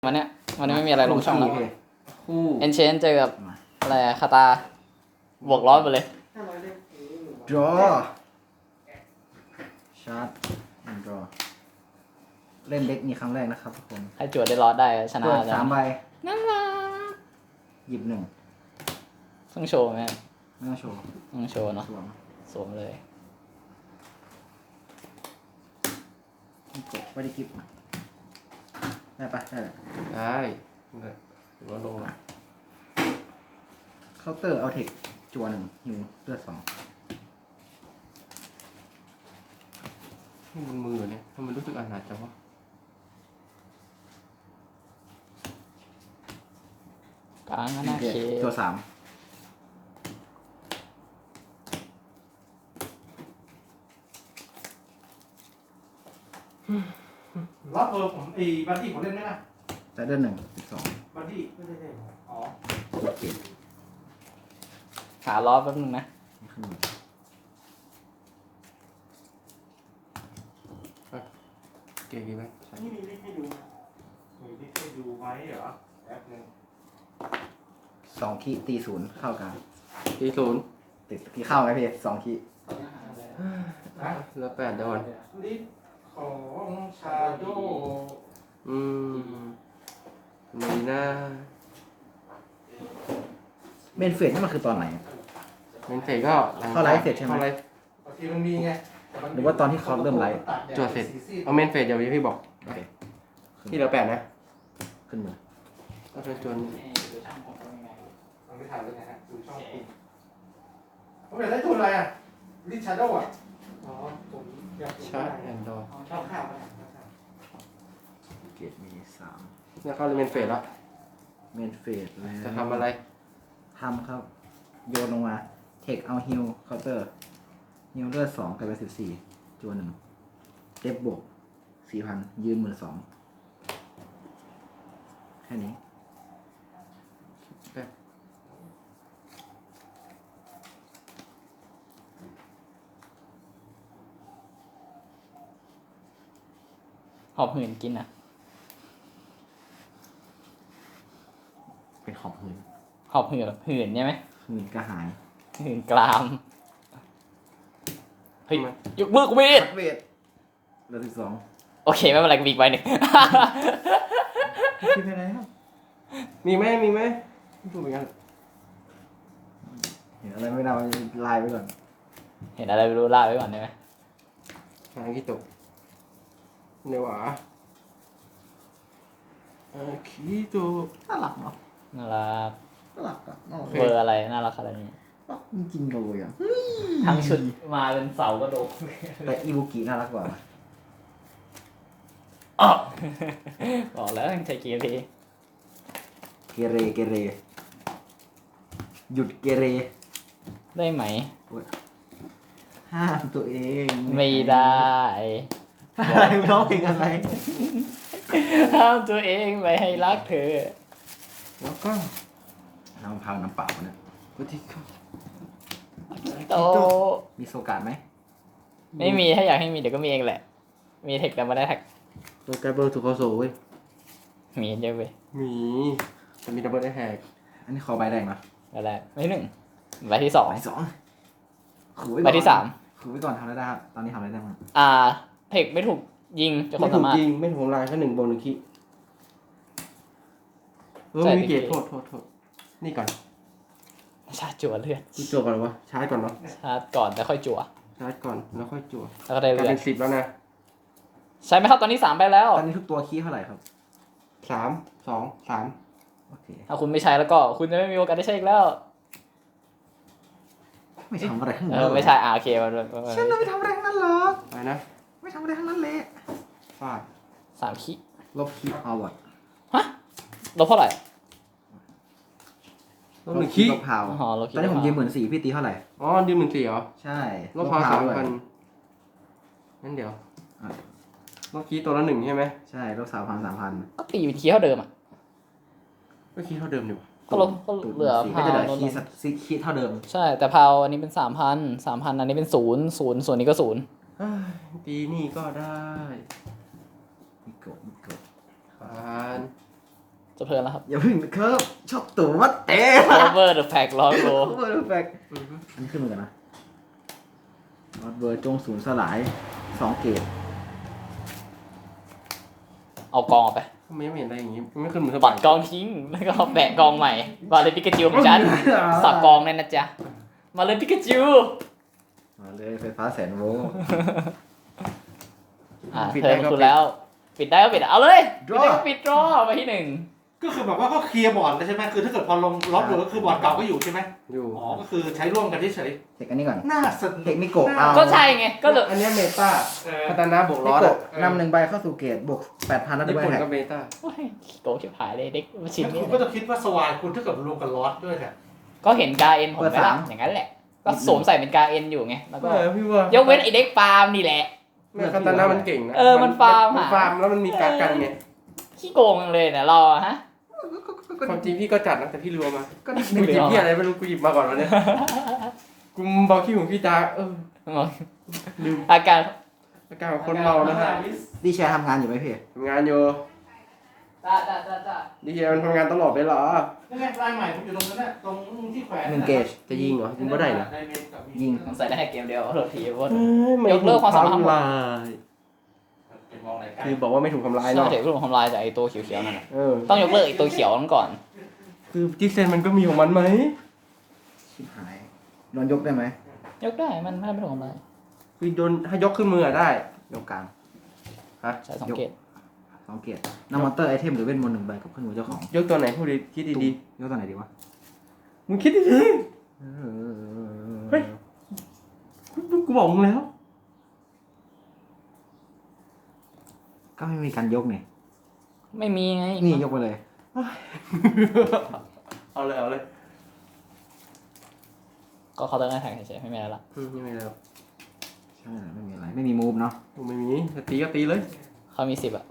วันนี้ไม่มีอะไรลงช่องแล้วคู่เอนเชนเจอกับอะไรคาตาบวกร้อยไปเลยดรอชาร์จดรอเล่นเด็กนี้ครั้งแรกนะครับทุกคนใครจวดได้ร้อยได้ชนะเปิดจะ 3 ใบน่ารักหยิบ 1 ต้องโชว์ไหมไม่ต้องโชว์ต้องโชว์เนาะสวมสวมเลยกดไม่ได้กิฟได้ปะได้แหละได้หรือว่าลงอ่ะเคาน์เตอร์เอาเทคจัว1ฮิวเลือด2 นี่บนมือเนี่ยทำไมรู้สึกอาหนาจังวะกลางก็น่าเคจัว3 รับผมบัดดี้ผมเล่นไหมนะแต่เลือด1 12 บัดดี้ไม่ได้เล่นอ๋อเก็บขาล้อแป๊บนึงนะขึ้นมาเก่งดีไหมนี่มีลิงก์ให้ดูนะมีลิงก์ให้ดูไหมเหรอแป๊บนึง 2 คีย์ตี0เข้ากลางตีศูนย์ติดที่เข้าไหมพี่2 คีย์นะแล้ว8โดนลิสต์ของชาโดมีหน้าเมนเฟสนี่มันคือตอนไหนอะเป็นเสร็จก็เข้าไลฟ์เสร็จใช่ไหมข้าลฟ์บางทีมันมีไงหรือว่าตอนที่เขาเริ่มไลฟ์จวดเสร็จเอาเมนเฟสเดี๋ยวพี่บอกโอเคที่เหลือ8นะขึ้นมือก็จะจวนมันไม่ถ่ายเลยนะฮะดูช่องคุณผมอยากได้ตัวอะไรอ่ะลิสต์ชาโดอ่ะอ๋อผมอยากชาร์จแอนด์ดอชอบข้าวไหมเกตมี3 เนี่ยเข้าเลยเมนเฟสแล้วเมนเฟสแล้วจะทำอะไรทำครับ โยนลงมา เทคเอาฮิลเคาน์เตอร์ฮิลเลือด2กลายเป็น14จัว1เต็บบวก 4,000 ยืน12,000แค่นี้หอบหืนกินอ่ะเป็นของหืนหอบหืนหืนใช่ไหมหืนกระหายหืนกรามเฮ้ยยกมือกูไม่ได้เวทเหลือ12 โอเคไม่เป็นไรกูมีอีกใบหนึ่งคิดไปแล้วมีไหมไม่พูดเหมือนกันเห็นอะไรไม่ได้ไลน์ไปก่อนเห็นอะไรไม่รู้ล่าไว้ก่อนได้ไหมหาขี้ตกเดี๋ยวขี้ตกน่ารักเนาะน่ารักน่ารักอ่ะน่ารักเบอร์อะไรน่ารักขนาดนี้รักจริงๆเลยอ่ะทั้งชุดมาเป็นเสากระโดดแต่อีบุกิน่ารักกว่าบอกแล้วต้องใช้เกียร์พีเกเรเกเรหยุดเกเรได้ไหมห้ามตัวเองไม่ได้อะไรร้องเพลงอะไรห้ามตัวเองไม่ให้รักเธอแล้วก็น้ำมะพร้าวน้ำเปล่าเนี่ยก็ที่เข้าโตมีโซการ์ดไหมไม่มีถ้าอยากให้มีเดี๋ยวก็มีเองแหละ มีเทคแต่ไม่ได้แท็กตัวแกเบอร์ถูกเขาโซ่เว้ยมีเยอะไปมีจะมีดับเบิลแฮกอันนี้ขอใบแดงเนาะก็ได้ไม่หนึ่งใบที่สองใบ2ขู่ไว้ใบก่อนที่สามขู่ไว้ก่อนทำอะไรได้ครับตอนนี้ทำอะไรได้บ้างเทคไม่ถูกยิงจะคไม่นถูสาก มารถยิงไม่ถูกลายแค่1 บวก 1คีใช่มีเกียรติโทษนี่ก่อนชาร์จจั่วเลือดกูจั่วก่อนวะชาร์จก่อนเนาะชาร์จก่อนแต่ค่อยจั่วชาร์จก่อนแล้วค่อยจั่วแล้วก็ได้กลายเลือเป็ดน10แล้วนะใช่ไหมครับตอนนี้3ไปแล้วตอนนี้ทุกตัวคีย์เท่าไหร่ครับ 3 2 3 โอเคถ้าคุณไม่ใช้แล้วก็คุณจะไม่มีโอกาสได้ใช้อีกแล้วไม่ทำอะไรทั้งนั้นไม่ใช่โอเคมันฉันไม่ทำอะไรทั้งนั้นหรอกไปนะไม่ทำอะไรทั้งนั้นเลยฟาด 3 คิลบคีย์เอาวอร์ดฮะลบเท่าไหร่ลบ1คีลบพาวอ๋อลบคีตอนนี้ผมยืม14,000พี่ตีเท่าไหร่อ๋อยืม14เหรอใช่ลบพาวด้วย 3,000งั้นเดี๋ยวอ่ะลบคีตัวละ1ใช่ไหมใช่ลบ3,000 ก็ตีเป็นคีเท่าเดิมอ่ะก็คีเท่าเดิมดีกว่าก็ลบก็ 3,000 เหลือก็พาวจะเหลือลดคีลย์งสักคีย์เท่าเดิมใช่แต่พาวอันนี้เป็น3,000อันนี้เป็น0ส่วนนี้ก็0 เอ้ยตีนี่ก็ได้มีกดผ่านจะเพลินแล้วครับอย่าเพึ่งครับชอบตัววัดเตะ cover the pack ร้อยโลโอ้ยแฟกอันนี้ขึ้นมือกันนะรอดเบอร์จงศูนย์สลาย2 เกตเอากองออกไปไม่เห็นอะไรอย่างงี้ไม่ขึ้นมือปัดกองทิ้ง แล้วก็แบะกองใหม่มาเลยปิกาจิวของฉัน สับกองเลยนะจ๊ะ มาเลยปิกาจิวมาเลยไฟฟ้าแสนโวลต์เธอคุณแล้ว ปิดได้ก็ปิดเอาเลยปิดได้ก็ปิดรอไปที่ 1 ก็คือแบบว่าก็เคลียร์บอร์ดเลยใช่ไหมคือถ้าเกิดพอลงล็อตเลยก็คือบอร์ดเก่าก็อยู่ใช่ไหมอยู่อ๋อก็คือใช้ร่วมกันเฉยเทคอันนี้ก่อนๆน่าสนุกเทคนิโกะเอาก็ใช่ไง ก็เลยอันเนี้ยเมตาเออพัฒนาบวกนิร้อยโกะนำ1 ใบเข้าสู่เกตบวก 8,000แล้วด้ญี่วยปุ่นแท็กก็เมตาโอ้ยโกงชิบหายเลยเด็กชิ้นแล้วนี้คุณก็จะคิดว่าสวายคุณถ้าเกิดรวมกับล็อตด้วยเนี่ยก็เห็นกาเอ็นผมไหมล่ะอย่างนั้นแหละ ก็สวมใส่เป็นกาเอ็นอยู่ไง แล้วก็พี่ว่ายกเว้นไอเด็กฟาร์มนี่แหละแม่พัฒนามันเก่งนะมันฟาร์มมันฟาร์มแล้วมันมีการกันไงขี้โกงจังเลยเนี่ยเราอะฮะความจริงพี่ก็จัดนะแต่พี่รัวมาก็นิกูดหยิเดีบยวพี่อะไรไม่รู้กูหยิบมาก่อนวันนี้กูบอกขี้ของพี่จ้าลืมอาการอาการของคนเมานะฮะดีแชร์ทำงานอยู่ไหมพี่ทำงานอยู่จ้าดีเจมันทำงานตลอดเวลานี่ไงลายใหม่ผมอยู่ตรงนั้นน่ะตรงที่แขวน 1 เกจจะยิงเหรอยิงไม่ได้เหรอยิงใส่ได้แค่เกมเดียวโทษทีว่าไม่ยกเลิกความสามารถถูทำลายเป็นมองไหนกันคือบอกว่าไม่ถูกทำลายใช่เนาะเดี๋ยวผมทำลายจากไอตัวเขียวๆนั่นน่ะเออต้องยกเลิกไอตัวเขียวนั้นก่อนคือจิเซนมันก็มีของมันไหมชิบหายโดนยกได้ไหมยกได้มันไม่ถูกทำลายคือโดนถ้ายกขึ้นมืออะได้ยกกลางใช้2 เกต 2 เกตนำมอนเตอร์ไอเทมหรือเวทมนต์1 ใบกับเครื่องมือเจ้าของยกตัวไหนพูดดีคิดดียกตัวไหนดีวะๆมึงคิดดีๆเฮ้ยกูบอกมึงแล้วก็ไม่มีการยกเนี่ยไม่มีไงนี่ยกไปเลยเอาเลยเอาเลยก็เขาน์เตอร์แทงเฉยๆไม่มีอะไรละไม่มีแล้วใช่ไม่มีอะไรไม่มีมูฟเนาะกูไม่มีจะตีก็ตีเลยเขามี10อะ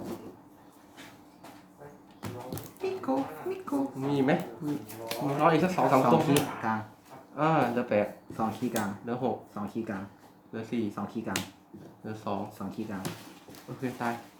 มิโกมิโกมีไหมมีรออีกสัก2-3 สอตัวงคีย์กลางเหลือ8 2 คีย์กลางเหลือ6 2 คีย์กลางเหลือ4 2 คีย์กลางเหลือ2 2 คีย์กลางโอเคตาย